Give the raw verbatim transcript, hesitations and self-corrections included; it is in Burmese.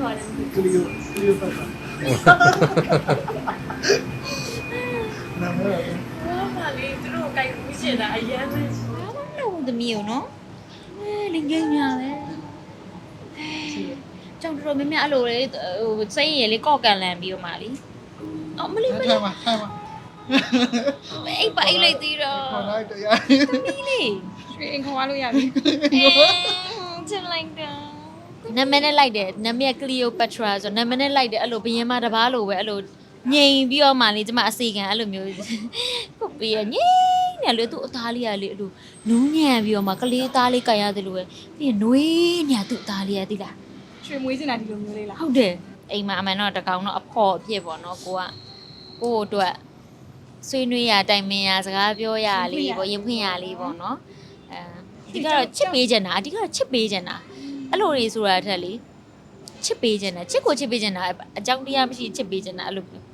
ပါတယ်ကလီယိုကလီယိုပတ်တာနာမည်ဘာမှလေသူတို့ကိုင်ဘူးရှင်တာအရင်ပဲဘာမှမလုပ်ဘူးသမီးကိုနော်အဲလင်ကြီးညာပဲကြောင်တော်တော်များများအဲ့လိုလေဟိုစိတ်ရည်လေးကော့ကန်လန်ပြီးတော့မှလीအော်မလေးမလေးထိုင်မှာထိုင်မှာအိပ်ပါအိပ်လိုက်သေးတော့ခေါ်လိုက်တရားသမီးလေးရွှေအိမ်ခေါ်သွားလို့ရပြီချစ်လိုက်တာနာမည်နဲ့လိုက်တယ်နာမည်က Cleopatra ဆိုနာမည်နဲ့လိုက်တယ်အဲ့လိုဘယင်းမတပားလိုပဲအဲ့လိုငြိမ်ပြီးတော့မှလေကျမအစီခံအဲ့လိုမျိုးပုတ်ပြီးရငြိမ်နေလေသူ့အသားလေးကလေအဲ့လိုနူးညံ့ပြီးတော့မှကလေးသားလေးကြိုက်ရတယ်လို့ပဲပြီးရင်နွေးညာသူ့အသားလေးရသိလားရွှေမွေးစင်တာဒီလိုမျိုးလေးလားဟုတ်တယ်အိမ်မှာအမှန်တော့တကောင်တော့အဖော်အဖြစ်ပေါ့နော်ကိုကကို့အတွက်ဆွေးနွေးရတိုင်ပင်ရစကားပြောရလေးပေါ့ရင်ဖွင့်ရလေးပေါ့နော်အဲဒီကတော့ချစ်ပေးချင်တာအဓိကတော့ချစ်ပေးချင်တာအဲ့လိုတွေဆိုတာထက်လေချစ်ပေးချင်တာချစ်ကိုချစ်ပေးချင်တာအကြောင်းတရားမရှိချစ်ပေးချင်တာအဲ့လို